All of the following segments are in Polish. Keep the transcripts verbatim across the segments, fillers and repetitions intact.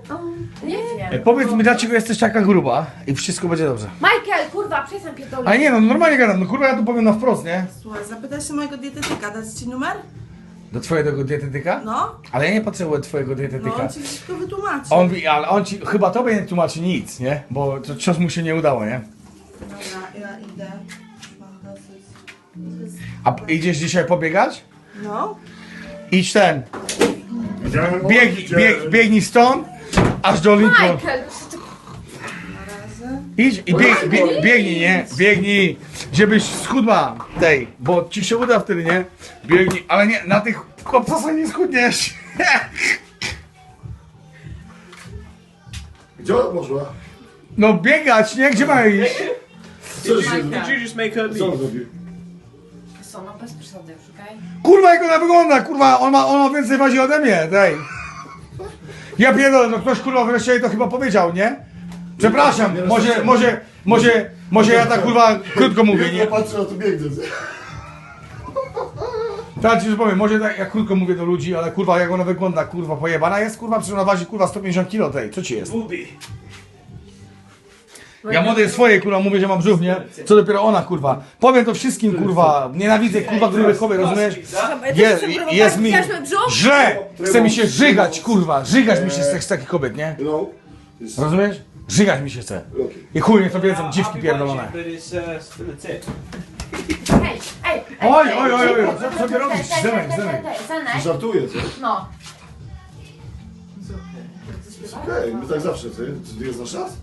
Nie E, wiem. Powiedz mi, dlaczego jesteś taka gruba i wszystko będzie dobrze. Michael, kurwa, przestań pierdolić. Ale nie no, normalnie gadam, no kurwa ja tu powiem na wprost, nie? Słuchaj, zapytaj się mojego dietetyka, dać ci numer? Do twojego dietetyka? No. Ale ja nie potrzebuję twojego No, dietetyka. on ci wszystko wytłumaczy. On mówi, ale on ci, chyba tobie nie tłumaczy nic, nie? Bo to cios mu się nie udało, nie? Dobra, ja idę. Mam dosyć. A idziesz dzisiaj pobiegać? No. Idź ten, Widziałem bieg, oczywiście. bieg, biegnij stąd, aż do Lincoln. Michael, Na razie. Idź i bieg, bieg, biegnij, nie? Biegnij, żebyś schudła tej, bo ci się uda wtedy, nie? Biegnij, ale nie, na tych obcasach nie schudniesz. Gdzie ona poszła? No biegać, nie? Gdzie ma iść? Co się Did you just make her Co on leave? zrobił? co, no bez przesady już, okej? Kurwa jak ona wygląda, kurwa, on ma, on ma więcej wazi ode mnie, tej. Ja pierdolę, no ktoś kurwa wreszcie jej to chyba powiedział, nie? Przepraszam, może, może, może, może ja tak kurwa krótko mówię, nie? Ja patrzę na to biegnę. Tak ci już powiem, może tak, ja krótko mówię do ludzi, ale kurwa jak ona wygląda, kurwa pojebana jest, kurwa, przecież ona waży kurwa sto pięćdziesiąt kilo tej, co ci jest? Booby. Ja młodej swojej kurwa mówię, że mam brzuch, nie? Co dopiero ona kurwa. Powiem to wszystkim kurwa, nienawidzę kurwa grubych kobiet, rozumiesz? Je, jest mi źle, chce mi się żygać kurwa, żygać mi się z, z takich kobiet, nie? No. Rozumiesz? Żygać mi się chce. I chuj, niech to wiedzą dziwki pierdolone. But it's uh, still a tip. Ej, ej, ej, Oj, ej, oj, oj, oj, ej, co ej, sobie ej, robisz? ej, Zenek, ej, zenek. ej, ej, Zenek, Żartuję, co? no. Okej, my tak zawsze, co? To jest nasz czas?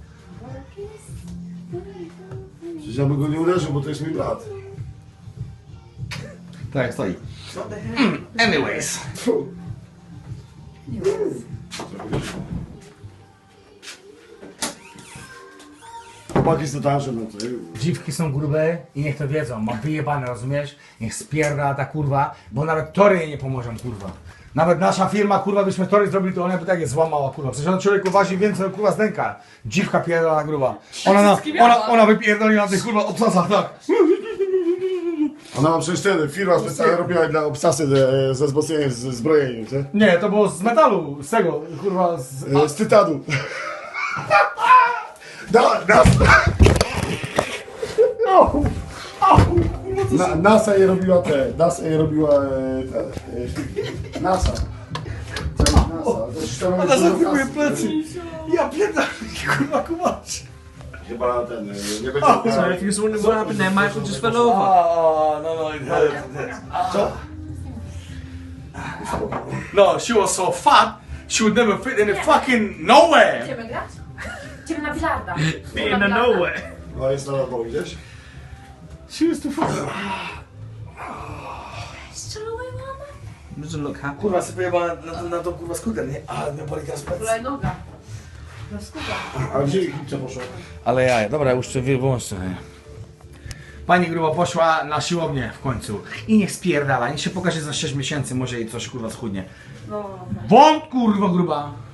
Przecież ja bym go nie uderzył, bo to jest mój brat. Tak, jak stoi. Anyways. Fu. Chłopaki są tańsze, no to Dziwki są grube i niech to wiedzą, mam wyjebane, rozumiesz? Niech spierda ta kurwa, bo nawet tory jej nie pomożą, kurwa. Nawet nasza firma, kurwa, byśmy tory zrobili, to ona by tak je złamała, kurwa. Przecież on człowieku waży więcej, kurwa, z dęka. Dziwka pierdolona gruba. Ona, na, ona, ona wypierdoli na tych, kurwa, obsasach, tak. Ona ma przecież ten, firma specjalnie robiła dla obsasy ze, ze wzmocnieniem z zbrojeniem, co? Nie, to było z metalu, z tego, kurwa, z... E, Z tytanu. Da, da. Na, NASA je robiła te, NASA je robiła e, te, e, NASA. Co jest NASA? To się tam robi Ona dużo zachowuje kasy. plecy. Ja pierdolę, kurwa, kumacz. Chyba ten, e, nie będzie... So if you was wondering what happened there, Michael just fell over. Oh, no, no, it hurts, it hurts. Co? No, she was so fat, she would never fit in the fucking nowhere. Idziemy grać? Idziemy na bilarda. Be in the nowhere. No jest na lewo gdzieś. She was too fat. Strzelałej mama? Doesn't look happy. Kurwa, sobie pojebała na, na, na tą kurwa skuter, nie? Ale mnie boli teraz plecy. Kulej noga. No skupa. A gdzie Egipcia poszła? Ale ja, dobra, już to wyłączę. Pani grubo poszła na siłownię w końcu. I niech spierdala, niech się pokaże za sześć miesięcy, może jej coś kurwa schudnie. No, no, no. Bądź kurwa gruba!